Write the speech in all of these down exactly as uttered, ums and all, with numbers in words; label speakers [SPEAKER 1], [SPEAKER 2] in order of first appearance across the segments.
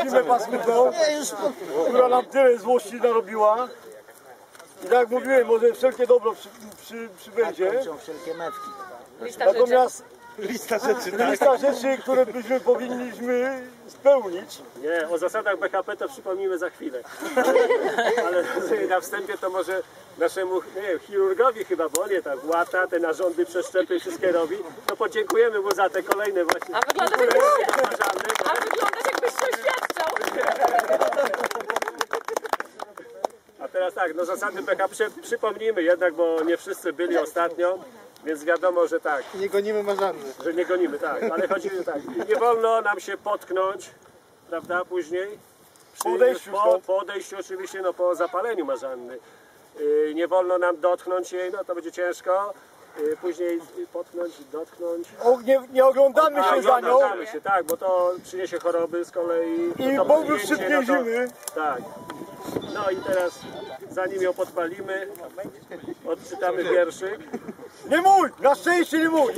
[SPEAKER 1] zimę paskudną, która nam tyle złości narobiła. I tak jak mówiłem, może wszelkie dobro przy, przy, przybędzie. Natomiast lista rzeczy, tak? lista rzeczy, które byśmy powinniśmy spełnić.
[SPEAKER 2] Nie, o zasadach B H P to przypomnimy za chwilę. Ale, ale na wstępie to może naszemu, nie wiem, chirurgowi chyba, bo on je tak łata, te narządy, przeszczepy wszystkie robi. To podziękujemy mu za te kolejne właśnie.
[SPEAKER 3] A wyglądasz jakbyś, a wyglądasz jakbyś się oświadczał.
[SPEAKER 2] A teraz tak, no zasady B H P przypomnijmy jednak, bo nie wszyscy byli ostatnio. Więc wiadomo, że tak.
[SPEAKER 1] Nie gonimy marzanny.
[SPEAKER 2] Że nie gonimy, tak. Ale chodzi o tak. Nie wolno nam się potknąć, prawda, później. Przy,
[SPEAKER 1] po odejściu,
[SPEAKER 2] po, po odejściu oczywiście, no po zapaleniu marzanny. Yy, nie wolno nam dotknąć jej, no to będzie ciężko. Yy, później potknąć, dotknąć.
[SPEAKER 1] O, nie, nie oglądamy
[SPEAKER 2] A,
[SPEAKER 1] się za nią.
[SPEAKER 2] Oglądamy się, tak, bo to przyniesie choroby z kolei.
[SPEAKER 1] I
[SPEAKER 2] to
[SPEAKER 1] powrót
[SPEAKER 2] zdjęcie,
[SPEAKER 1] szybkiej
[SPEAKER 2] no to,
[SPEAKER 1] zimy.
[SPEAKER 2] Tak. No i teraz, zanim ją podpalimy, odczytamy wierszyk.
[SPEAKER 1] Nie mój! Na szczęście nie mój!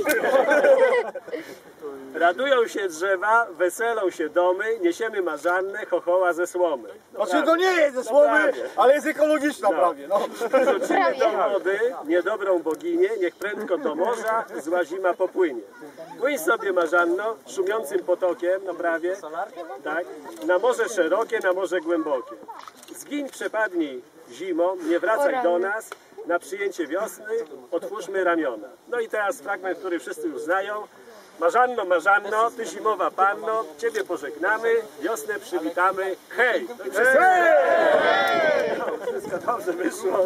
[SPEAKER 2] Radują się drzewa, weselą się domy, niesiemy marzannę, chochoła ze słomy. No
[SPEAKER 1] Znaczy to nie jest ze słomy, ale jest ekologiczna
[SPEAKER 2] No.
[SPEAKER 1] prawie. No.
[SPEAKER 2] Rzucimy do wody niedobrą boginię, niech prędko do morza zła zima popłynie. Płyń sobie marzanno, szumiącym potokiem, no prawie, tak, na morze szerokie, na morze głębokie. Zgiń, przepadnij zimą, nie wracaj do nas, na przyjęcie wiosny otwórzmy ramiona. No i teraz fragment, który wszyscy już znają. Marzanno, Marzanno, ty zimowa panno, ciebie pożegnamy, wiosnę przywitamy, hej! No i wszyscy... Hej! No, wszystko dobrze wyszło.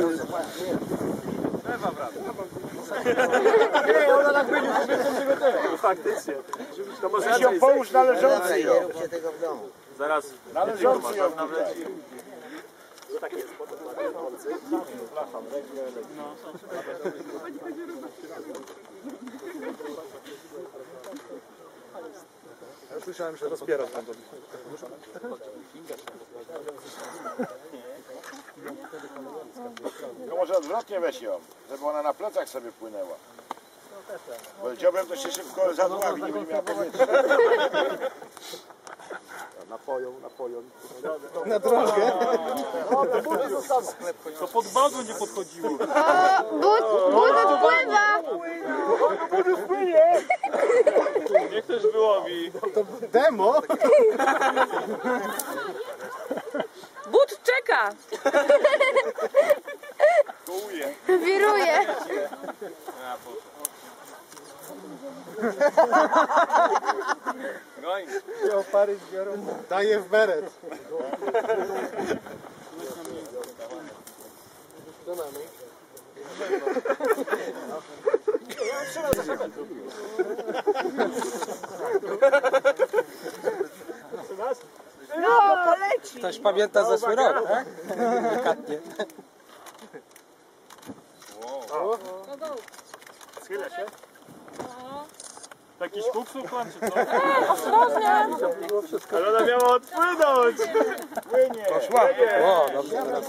[SPEAKER 1] Nie, ona tak będzie, sobie tego
[SPEAKER 2] No, faktycznie. To może
[SPEAKER 1] Weź ją połóż należący ją.
[SPEAKER 2] Zaraz.
[SPEAKER 1] Należący ją.
[SPEAKER 2] Tak jest, potem należący.
[SPEAKER 1] Ja słyszałem, że rozbiera tam.
[SPEAKER 4] No może odwrotnie weź ją, żeby ona na plecach sobie płynęła. Bo dziobem to się szybko zadławi, nie będzie miała powietrza.
[SPEAKER 1] Napoją, napoją. Na drogę.
[SPEAKER 2] To pod bagon nie podchodziło.
[SPEAKER 5] But, but pływa!
[SPEAKER 1] Budu spłynie!
[SPEAKER 2] Niech też wyłowi.
[SPEAKER 1] To demo?
[SPEAKER 3] But czeka!
[SPEAKER 5] Wiruje!
[SPEAKER 1] Opary zbiorą. Daje w beret. Co mamy?
[SPEAKER 3] No, poleci!
[SPEAKER 6] Ktoś pamięta zeszły rok, tak? Delikatnie.
[SPEAKER 2] Schylę się. Jakiś kuksów pan, czy co?
[SPEAKER 3] Ostrożnie!
[SPEAKER 2] Ale ona miała odpłynąć! Płynie!
[SPEAKER 1] Poszła.
[SPEAKER 6] O, dobrze, teraz.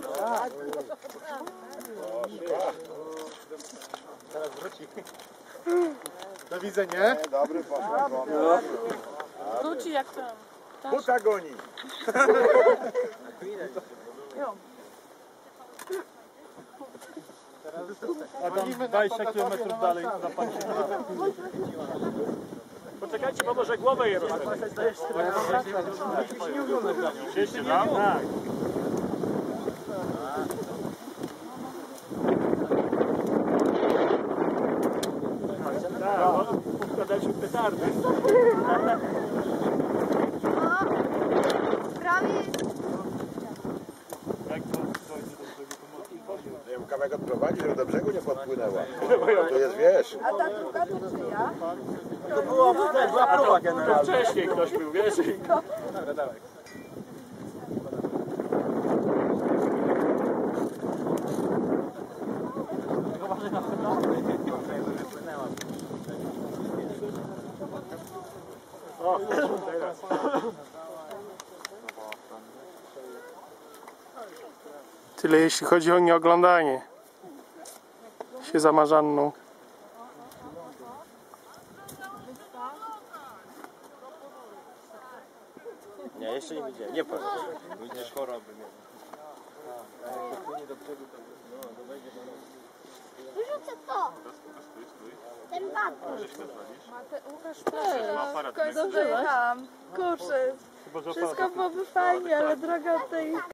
[SPEAKER 1] Teraz wróci. Do widzenia.
[SPEAKER 4] Dobry poszło.
[SPEAKER 3] Wróci jak to.
[SPEAKER 4] Buta goni.
[SPEAKER 1] A tam dwadzieścia kilometrów dalej zapadnie.
[SPEAKER 2] Poczekajcie, bo może głowę je rozpędzę. Chcieliście tam? Tak. Tak, układaliśmy petardy.
[SPEAKER 5] Prawie
[SPEAKER 4] Ja ją kawałek odprowadzić, żeby do brzegu nie podpłynęła. To jest, wiesz.
[SPEAKER 5] A ta druga to czyja?
[SPEAKER 6] To była próba generalna.
[SPEAKER 2] Wcześniej ktoś był, wiesz?
[SPEAKER 1] Dobra, dawaj.
[SPEAKER 2] O, teraz.
[SPEAKER 7] Tyle jeśli chodzi o nieoglądanie się za Marzanną.
[SPEAKER 6] Nie, jeszcze nie widziałem. Nie powiem. Będziesz choroby miał.
[SPEAKER 5] Wyrzucę to. Ten baton.
[SPEAKER 3] Łukasz, dobrze jechałam. Kurczę, wszystko byłoby fajnie, ale droga tej